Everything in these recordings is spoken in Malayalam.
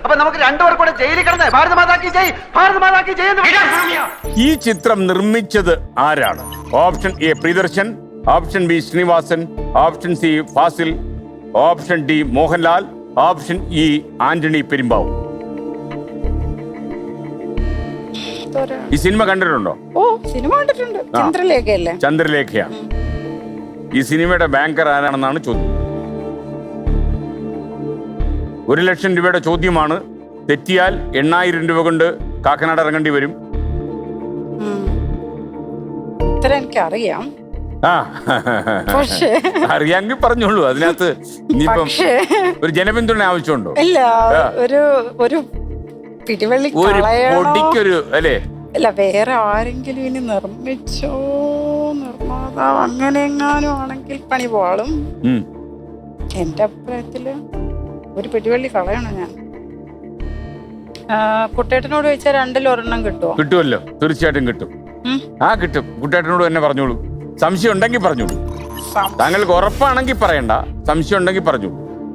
അപ്പൊ നമുക്ക് രണ്ടുപേർ കൂടെ ജയിലിൽ കിടന്ന് ഭാരത മാതാക്കി ജയ്, ഭാരത മാതാക്കി ജയ് എന്ന് വിളിക്കാം. ഈ ചിത്രം നിർമ്മിച്ചത് ആരാണ്? Option A Priyadarshan, option B Sreenivasan, option C Fazil, option D Mohanlal, option E Antony Perumbavoor. ഈ സിനിമ കണ്ടിട്ടുണ്ടോ? ഓ, സിനിമ കണ്ടിട്ടുണ്ട്. ചന്ദ്രലേഖയല്ലേ? ചന്ദ്രലേഖയാണ്. ഈ സിനിമയുടെ ബാങ്കർ ആരാണെന്നാണ് ചോദ്യം. 1,00,000 രൂപയുടെ ചോദ്യമാണ്. തെറ്റിയാൽ 8,000 രൂപ കൊണ്ട് കാക്കനാട് ഇറങ്ങേണ്ടി വരും. ഉത്തരം എനിക്കറിയാം, ആ പക്ഷേ അറിയാമെങ്കിൽ പറഞ്ഞോളൂ. അതിനകത്ത് ഇനിയിപ്പം ഒരു ജനപിന്തുണ ആവശ്യമുണ്ടോ? ഇല്ല, ഒരു പിടിവള്ളി ഒരു പൊടിക്കൊരു അല്ലേ? അല്ല, വേറെ ആരെങ്കിലും ഇനി നിർമ്മിച്ചോ, നിർമ്മാതാവ് അങ്ങനെ എങ്ങാനും ആണെങ്കിൽ പണി പോളും. എന്റെ അഭിപ്രായത്തില് ഒരു പിടിവള്ളി കളയണം ഞാൻ. കുട്ടേട്ടനോട് ചോദിച്ചാൽ 2-ൽ 1 കിട്ടുമോ? കിട്ടുമല്ലോ, തീർച്ചയായിട്ടും കിട്ടും. ആ കിട്ടും. കുട്ടേട്ടനോട് തന്നെ പറഞ്ഞോളൂ. സംശയം ഉണ്ടെങ്കിൽ പറഞ്ഞോളൂ. താങ്കൾക്ക് ഉറപ്പാണെങ്കിൽ പറയണ്ട, സംശയം ഉണ്ടെങ്കിൽ പറഞ്ഞോളൂ.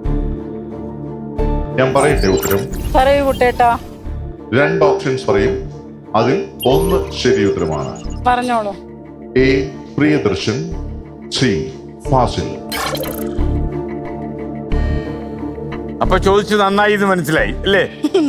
ഞാൻ പറയട്ടെ ഉത്തരം? പറയൂ കുട്ടേട്ടാ. 2 ഓപ്ഷൻസ് പറയും, അതിൽ 1 ശരി ഉത്തരമാണ്. പറഞ്ഞോളൂ. A Priyadarshan, C Fazil. അപ്പൊ ചോദിച്ചു നന്നായി എന്ന് മനസ്സിലായി അല്ലേ?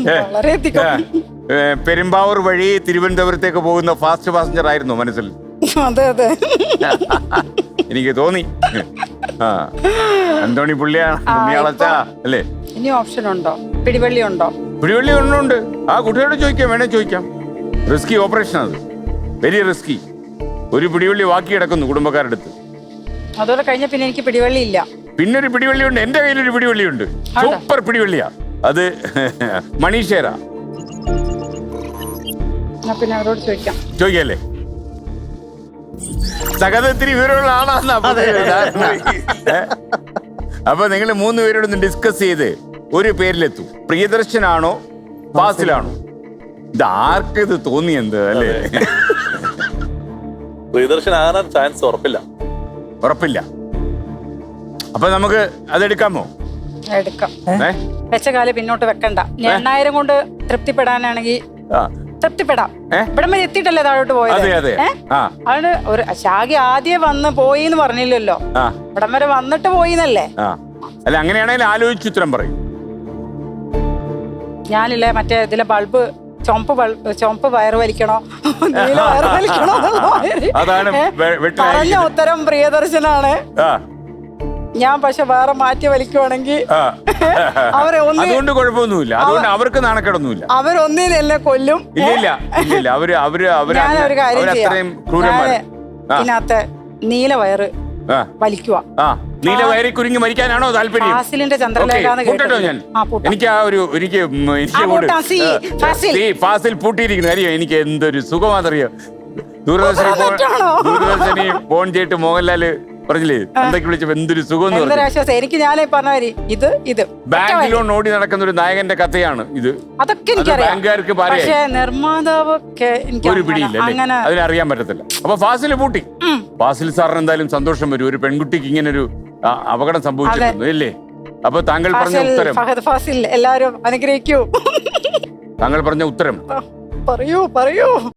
പെരുമ്പാവൂർ വഴി തിരുവനന്തപുരത്തേക്ക് പോകുന്ന ഫാസ്റ്റ് പാസഞ്ചർ ആയിരുന്നു മനസ്സിൽ. അതെ അതെ, എനിക്ക് തോന്നി. ആ, അന്തോണി പുള്ളിയാളച്ചാ അല്ലേ? ഇനി ഓപ്ഷൻ ഉണ്ടോ? പിടിവള്ളി ഉണ്ടോ? പിടിവള്ളി ഒന്നുണ്ട്. ആ കുട്ടിയോട് ചോദിക്കാം, വേണേ ചോദിക്കാം. റിസ്കി ഓപ്പറേഷൻ അത്, വെരി റിസ്കി. ഒരു പിടിവള്ളി ബാക്കി കിടക്കുന്നു കുടുംബക്കാരുടെ അടുത്ത്. അതോടെ കഴിഞ്ഞ പിന്നെ എനിക്ക് പിടിവള്ളി ഇല്ല. പിന്നൊരു പിടിവള്ളിയുണ്ട്, എന്റെ കയ്യിലൊരു പിടിവള്ളിയുണ്ട്. സൂപ്പർ പിടിവള്ളിയാ അത്. മണീഷേരാ. പിന്നെ അവരോട് ചോദിക്കാം. ചോദിക്കല്ലേ? സകലത്തിരി വിവരമുള്ള ആളാണ്. അപ്പൊ നിങ്ങൾ 3 പേരോടൊന്ന് ഡിസ്കസ് ചെയ്ത് ഒരു പേരിലെത്തും. പ്രിയദർശനാണോ ഫാസിലാണോ? ഇത് ആർക്ക് ഇത് തോന്നിയെന്ത് അല്ലേ? പ്രിയദർശൻ ആകാൻ ചാൻസ് ഉറപ്പില്ല. അപ്പൊ നമുക്ക് അതെടുക്കാമോ? എടുക്കാം. വെച്ച കാല് പിന്നോട്ട് വെക്കണ്ട. 8,000 കൊണ്ട് തൃപ്തിപ്പെടാനാണെങ്കിൽ തൃപ്തിപ്പെടാം. ഇവിടം വരെ എത്തിയിട്ടല്ലേ താഴോട്ട് പോയത്. അത് ഒരു ശാഖ ആദ്യം വന്ന് പോയി എന്ന് പറഞ്ഞില്ലല്ലോ, ഇവിടം വരെ വന്നിട്ട് പോയിന്നല്ലേ. അല്ല, അങ്ങനെയാണെങ്കിൽ ആലോചിച്ച് ഉത്തരം പറയും. ഞാനില്ലേ മറ്റേ ഇതിലെ ബൾബ് ചുമപ്പ് വയറ് വലിക്കണോ, നീല വയറ് വലിക്കണോ പറഞ്ഞ ഉത്തരം പ്രിയദർശനാണ്. ഞാൻ പക്ഷെ വേറെ മാറ്റി വലിക്കുവാണെങ്കിൽ അവരെ അതുകൊണ്ട് കുഴപ്പമൊന്നുമില്ല. അതുകൊണ്ട് അവർക്ക് നാണക്കേടൊന്നുമില്ല. അവരൊന്നിൽ എന്നെ കൊല്ലും. ഇല്ല, ഞാനൊരു കാര്യം ചെയ്യാം, ഇതിനകത്ത് നീല വയറ് വലിക്കുക. നീല വയറി കുരുങ്ങി മരിക്കാനാണോ താല്പര്യം? ഫാസിലിന്റെ ചന്ദ്രലേഖ ഞാൻ എനിക്ക് ആ ഒരു ഫാസിൽ പൂട്ടിയിരിക്കുന്നു. അറിയോ എനിക്ക് എന്തൊരു സുഖമാണെന്നറിയോ? ദൂരദർശനി ഫോൺ ചെയ്തിട്ട് മോഹൻലാല് പറഞ്ഞില്ലേ എന്തൊക്കെ വിളിച്ചപ്പോ എന്തൊരു സുഖം. എനിക്ക് ഞാനേ പറഞ്ഞ ഇത് ബാങ്ക് ലോൺ ഓടി നടക്കുന്ന ഒരു നായകന്റെ കഥയാണ് ഇത്. അതൊക്കെ എനിക്കറിയാം. ബാങ്കുകാർക്ക് പക്ഷേ നിർമ്മാതാവ് ഒരു പിടിയില്ല, അതിനറിയാൻ പറ്റത്തില്ല. അപ്പൊ ഫാസിൽ പൂട്ടി. ഫാസിൽ സാറിന് എന്തായാലും സന്തോഷം വരും. ഒരു പെൺകുട്ടിക്ക് ഇങ്ങനെ ഒരു അപകടം സംഭവിച്ചിട്ടുണ്ട് അല്ലേ? അപ്പൊ താങ്കൾ പറഞ്ഞ ഉത്തരം ഫാസിൽ എല്ലാരും അനുഗ്രഹിക്കൂ. താങ്കൾ പറഞ്ഞ ഉത്തരം പറയൂ.